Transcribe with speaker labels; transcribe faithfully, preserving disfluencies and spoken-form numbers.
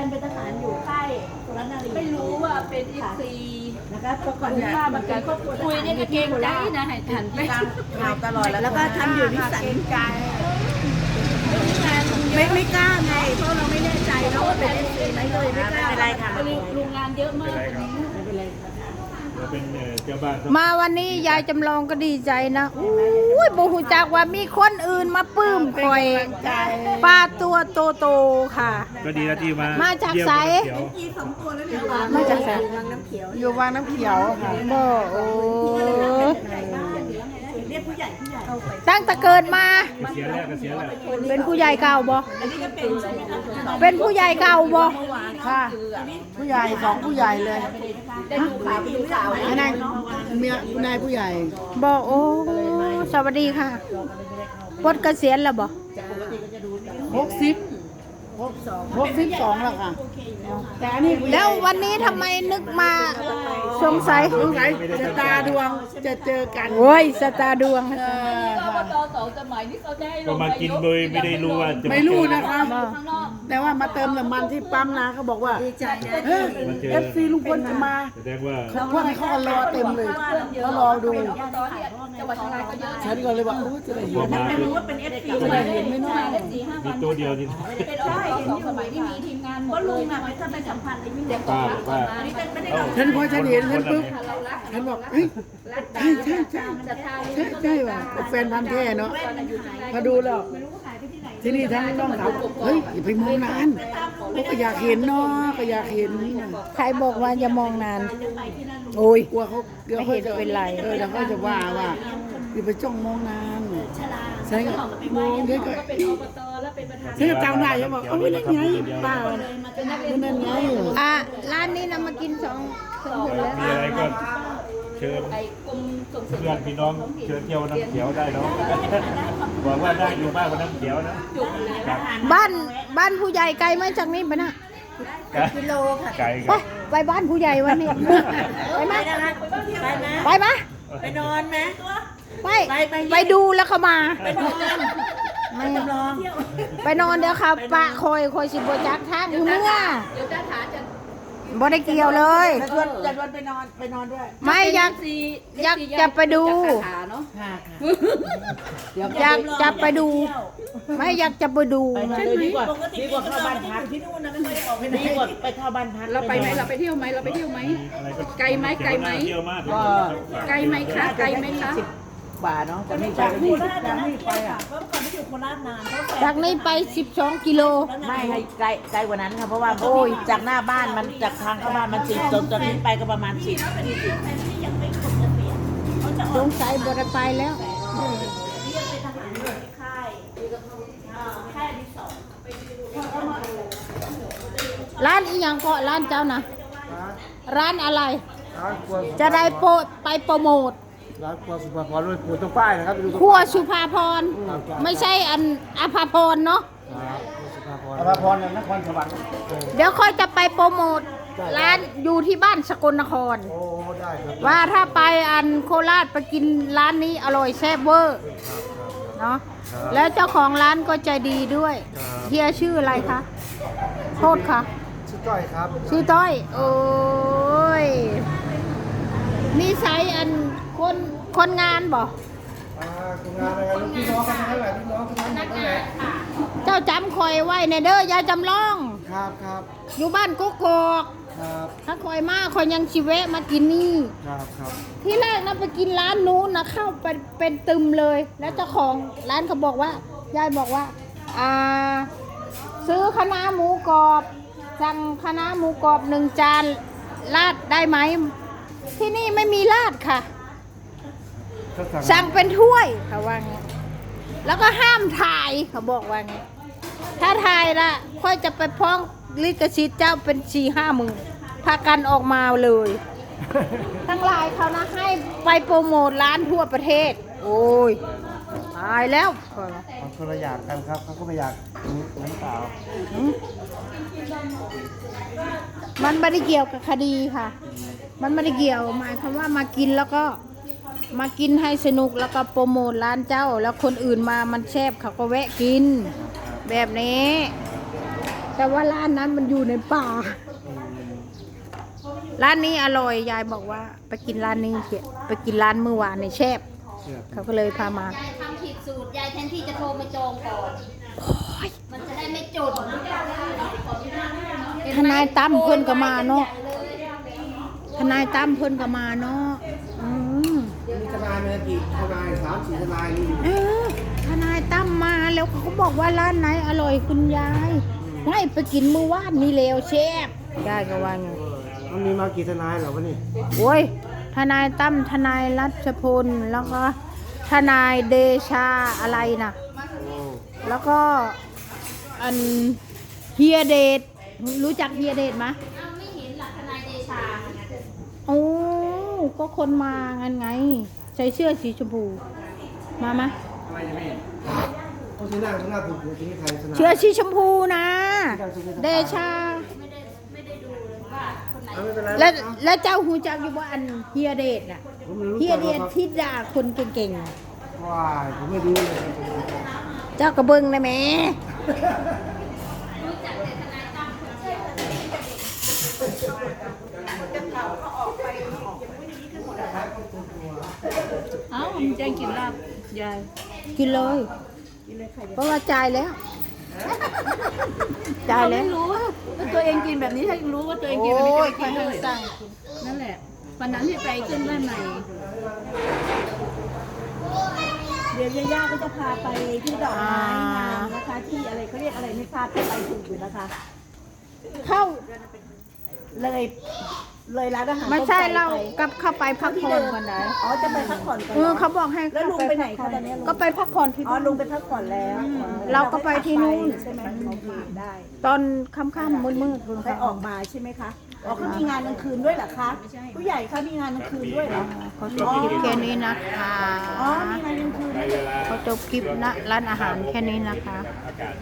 Speaker 1: เป็นทหารอยู่ค่ายสุรนารี
Speaker 2: ไม่รู้ว่าเป็นอีซี
Speaker 1: นะคะก่อนที่ว่ามันเป็นครอบครัวคุยนี่ก็เก่งใจนะให้ทันไปข่าวตลอดแล้วก็ทำอยู่นิสัยใจไม่ไม่กล้าไงเพราะเราไม่แน่ใจแล้วว่าเป็นเอฟซีไหมเลยไม่กล้าอะไรค่ะโรงงานเยอะมากวันนี้ไม่เป็นไร
Speaker 3: เราเป็นเจ้าบ้าน
Speaker 4: มาวันนี้ยายจำลองก็ดีใจนะอุ้ยบูฮูจักว่ามีคนอื่นมาปลื้มคอยปลาตัวโตๆค่ะ
Speaker 3: ก็ดีแล้วที่มา
Speaker 4: มาจากไส
Speaker 1: มาจากไสวังน้ำเขียว
Speaker 5: อยู่วังน้ำเขียวค่ะ
Speaker 4: บ่โอ้
Speaker 1: เรียกผู้ใหญ่ผู้ใหญ่
Speaker 4: ตั้งแต่เกิดมา
Speaker 3: เสียแล้วก็เสียแล้ว
Speaker 4: เป็นผู้ใหญ่เก่าบ่เป็นผู้ใหญ่เก่าบ่
Speaker 5: ค่ะผู้ใหญ่สองผู้ใหญ่เลย
Speaker 1: ได้ดูข่าวดูข่าว
Speaker 5: อันนั้นเมียคุณนายผู้ใหญ่
Speaker 4: บ่โอ้สวัสดีค่ะปลดเกษียณแล้วบ่
Speaker 5: หกสิบหกสองหกสิบสองแล้วค่ะแต่อันนี้
Speaker 4: แล้ววันนี้ทำไมนึกมาสงสัย
Speaker 5: สงสัยจะตาดวงจะเจอกัน
Speaker 4: โอ้ยสตาร์ดวง
Speaker 2: อบตสองสมัยนี่เขาจะให้ล
Speaker 3: ก็
Speaker 2: ง
Speaker 3: มากินโดยไม่ได้รู้ว่าจะ
Speaker 5: ไม่รู้นะคะแต่ว่ามาเติมน้ำมันที่ปั๊มนะเขาบอกว่าเฮ้ยเอฟซีลุงพลจะมา
Speaker 3: แสดงว่า
Speaker 5: เขาพวกนี้เขาก็รอเต็มเลยเขารอดู
Speaker 2: จังหวัดเชียงรายก็เยอะ
Speaker 5: ฉันก็เลยว่าโอ้จะได้เห็น
Speaker 1: ไม่รู้ว่าเป็นเอฟซี
Speaker 5: จะได้เห็นไม่น้อย
Speaker 3: มีตัวเดียวนี่
Speaker 2: เป็นอบตสองสมัยที่มีทีมงานหม
Speaker 1: ก็
Speaker 2: ดเล
Speaker 1: ลุ
Speaker 2: ย
Speaker 1: งอ่ะไม่ถ้าไปสัมพันธ์อะไรไม่เด็ก
Speaker 3: ป้าป้า
Speaker 5: ฉันพอฉันเห็นฉันปุ๊บฉันบอกเฮ้ยใช่ใช่ใช่ใช่ใช่ว่ะแฟนพันธุ์แท้เนาะพอดูแล้วที่นี่ทั้งน้องสาวเฮ้ยอย่าไปมองนานก็อยากเห็นเนาะก็อยากเห็น
Speaker 4: ใครบอกว่าอย่ามองนานโอ้ย
Speaker 5: กลัวเขาเดี๋ยวเขาจะเป็นไรเออเดี๋ยวเขาจะว่าว่าอย่าไปจ้องมองนานฉันก็มองเดี๋ยวก็
Speaker 2: เป็นอบตแล้วเป็นประธาน
Speaker 5: ฉันก็จำได้ฉันบอกเอ้าไม่ได้ไงป้าไม่นั่นไง
Speaker 4: อ่ะร้านนี้นำมากินสองสองคนแล้ว
Speaker 3: มีอะไรก็เชิญ
Speaker 2: ไอ้กรมส่งเสริม
Speaker 3: เพื่อนพี่น้องเชิญเที่ยวน้ำเขียวได้เนาะบอกว่าได้อยู่มากกว่าน้ำเขียวนะ
Speaker 4: บ้านบ้านผู้ใหญ่ไกลไหมจากนี้ไปนะ
Speaker 1: กิโลค่ะ
Speaker 3: ไก่
Speaker 4: ไปไปบ้านผู้ใหญ่วันนี้ไปไหม
Speaker 1: ไปไหม
Speaker 4: ไปไหม
Speaker 1: ไปนอนไหม
Speaker 4: ไปไปดูแล้วเขามา
Speaker 1: ไปนอนไม่จำลอง
Speaker 4: ไปนอนเดี๋ยวค่ะปะคอยคอยสิบจักทางอยู่เมื่อ
Speaker 2: เดี๋ยวจะถาจะ
Speaker 4: บ่ได้เกี่ยวเลย
Speaker 5: จะชวนจะชวนไปนอนไปนอนด้วย
Speaker 4: ไม่อยากอยากจะไปดู
Speaker 2: เนาะ
Speaker 5: ค่ะ
Speaker 4: อยากจะไปดู ไม่อยากจะไปดู
Speaker 5: ดีกว่าดีกว่าเข้าบ้านพักที่นู่นนะไม่ค่อยได้ออกไปไหนดีกว่าไปเข้าบ้านพัก
Speaker 2: เราไปไหมเราไปเที่ยวไหมเราไปเที่ยวไหมไกลไหมไกลไหม
Speaker 3: เที่ยวมาก
Speaker 5: ก็
Speaker 2: ไกลไหมคะไกลไหมคะ
Speaker 5: บาทเนาะจากนี้จากนี่จากนี่ไปอ่ะ
Speaker 1: เพราะก่อนที่อยู่โคราชนานเขา
Speaker 4: จากนี้ไปสิบสองกิโล
Speaker 5: ไม่ให้ไกลไกลกว่านั้นค่ะเพราะว่าโอ้ยจากหน้าบ้านมันจากทางเข้าบ้านมันสิบจนจากนี้ไปก็ประมาณสิบ
Speaker 1: ยังไม่ครบเกษียณเขาจะอ
Speaker 4: ส
Speaker 1: อก
Speaker 4: งสัยบ่ได้ไปแล้ว
Speaker 1: เรียกเป็นทหารอยู่ในค่ายค่ายที่สอง
Speaker 4: ร้านอีหยังก็ร้านเจ้านะร้านอะไร จะได้โปรไปโปรโมท
Speaker 5: ร้านครัวสุภาพรด้วยปูตรงป้ายนะครับไปดู
Speaker 4: ครัวสุภาพรไม่ใช่อันอภาพรเนาะ
Speaker 5: สุภาพรนครสวรรค์
Speaker 4: เดี๋ยวค่อยจะไปโปรโมทร้านอยู่ที่บ้านสกลนคร
Speaker 5: โอ้ได้ครับ
Speaker 4: ว่าถ้าไปอันโคราชไปกินร้านนี้อร่อยแซ่บเวอร์เนาะแล้วเจ้าของร้านก็ใจดีด้วยเฮียชื่ออะไรคะโทษค่ะ
Speaker 5: ชื่อก้อยครับ
Speaker 4: ชื่อต้อยโอ้ยนิสัยอันคนคนงานบ่
Speaker 5: อ่าคุณงานอะไรลูกพี่น้องกันทั้งหลายพี่น้องทั้งนั้นนั่นแหละ
Speaker 4: เจ้าจำคอยไว้ในเด้อยายจำลอง
Speaker 5: ครับครับ
Speaker 4: อยู่บ้านกุ๊กกอก
Speaker 5: ครับ
Speaker 4: ถ้าคอยมาคอยยังชีเวะมากินนี่
Speaker 5: ครับครับ
Speaker 4: ที่แรกนะไปกินร้านนู้นนะเข้าไปเป็นตึมเลย แล้วเจ้าของร้านเขาบอกว่ายายบอกว่าอ่าซื้อคะน้าหมูกรอบสั่งคะน้าหมูกรอบหนึ่งจานราดได้ไหมที่นี่ไม่มีราดค่ะ
Speaker 5: ก็สั่ง
Speaker 4: สั่งเป็นถ้วยเขาว่างี้แล้วก็ห้ามถ่ายเขาบอกว่างี้ถ้าถ่ายละค่อยจะไปพ้องลิขสิทธิ์เจ้าเป็นสี่ห้าหมื่นพากันออกมาเลย ทั้งหลายเขานะให้ไปโปรโมทร้านทั่วประเทศ โอ้ยตายแล้ว
Speaker 5: มันคนละอย่างกันครับเขาก็ไม่อยากน้ำเปล่า
Speaker 4: มันไม่ได้เกี่ยวกับคดีค่ะ มันไม่ได้เกี่ยวหมายความว่ามากินแล้วก็มากินให้สนุกแล้วก็โปรโมทร้านเจ้า แล้วคนอื่นมามันแซ่บเขาก็แวะกิน แบบนี้แต่ว่าร้านนั้นมันอยู่ในป่า ร้านนี้อร่อยยายบอกว่า ไปกินร้านนี้เถอะไปกินร้านเมื่อวานในแชบเขาก็เลยพามา
Speaker 1: ยายทำผิดสูตรยายแทนที่จะโทรมาจองก่อนมันจะได้ไม่จด
Speaker 4: ทนายตั้มเพิ่นก็มาเนาะทนายตั้มเพิ่นก็มาเนาะอืม
Speaker 5: มีทนายมากี่ทนายสามสี่ทนายนี่
Speaker 4: เออทนายตั้มมาแล้วเขาก็บอกว่าร้านไหนอร่อยคุณยายให้ไปกินเมื่อวานนี่แล้วแชบยายก็ว่าไง
Speaker 5: มันมีมากี่ทนายเหรอวะนี่
Speaker 4: โอ้ยทนายตั้มทนายรัชพลแล้วก็ทนายเดชาอะไรนะแล้วก็อันเฮียเดชรู้จักเฮียเดชไหม
Speaker 1: อ้าวไม่เห็นหลักทนายเดชา
Speaker 4: โอ้ก็คนมางันไงใส่เสื้อสีชมพูมาไหม
Speaker 5: อะไรจะไม่เขาซื้อหน้าซื้อหน้าถูกถูกที่ใครทนาย
Speaker 4: เสื้อสีชมพูนะ เดชา
Speaker 1: ไม่ได้ไม่ได้ดูเลยว่าคนไหน
Speaker 5: เอาไม่เป็นไร
Speaker 4: แล้วแล้วเจ้าหูจักอยู่ว่าอันเฮียเดชน่ะ
Speaker 5: ผมไม่รู้
Speaker 4: เฮีย
Speaker 5: จัก
Speaker 4: เดชที่ด่าคนเก่งๆน่ะ
Speaker 5: ว้ายผมไม่รู้เลย
Speaker 4: เจ้ากระเบิงนะแม่
Speaker 2: เอ้ามันแจ้งกินลาบยาย
Speaker 4: กินเลย เพราะว่าจ่ายแล้ว จ่ายแล้ว
Speaker 2: ไม่รู้ว่าตัวเองกินแบบนี้ถ้ารู้ว่าตัวเองกิน
Speaker 4: โอ้
Speaker 2: แบบนี้
Speaker 4: ยใคร
Speaker 2: จะ
Speaker 4: ให้
Speaker 2: กินเลย
Speaker 4: สั่ง
Speaker 2: นั่นแหละวันนั้นที่ไปขึ้นบ้านใหม่
Speaker 1: เดี๋ยวย่าๆก็จะพาไปที่ดอกไม้งามนะคะ ที่อะไรเขาเรียกอะไรไม่ทราบจะไปถูกอยู่นะคะ
Speaker 4: เข้า
Speaker 1: เลยเลยร้านอาหาร
Speaker 4: ไม่ใช่
Speaker 1: ต้ป
Speaker 4: เรา
Speaker 1: ไป
Speaker 4: กลับเข้าไปพักผ่อนก่อนนะ
Speaker 1: อ๋อจะไปพักผ่อนก่อน
Speaker 4: เออเขาบอกให้
Speaker 1: แล้วลุงไปไหนคะตอนนี้ลุง
Speaker 4: ก็ไปพักผ่อนที่
Speaker 1: อ๋อลุงไปพักผ่อนแล้ว
Speaker 4: เราก็ไปที่นู่น
Speaker 1: ใช่ไหมโอเคได้
Speaker 4: ตอนค่ำๆมืดๆคุณ
Speaker 1: ไปออกมาใช่ไหมคะอ๋อเขามีงานกลางคืนด้วยเหรอคะผู้ใหญ่เขามีงานกลางคืนด้วยเหรอ
Speaker 4: เขาจบคลิปแค่นี้นะคะ
Speaker 1: อ๋อมีงานกลางคืนด้วย
Speaker 4: เขาจบคลิปนะร้านอาหารแค่นี้นะคะ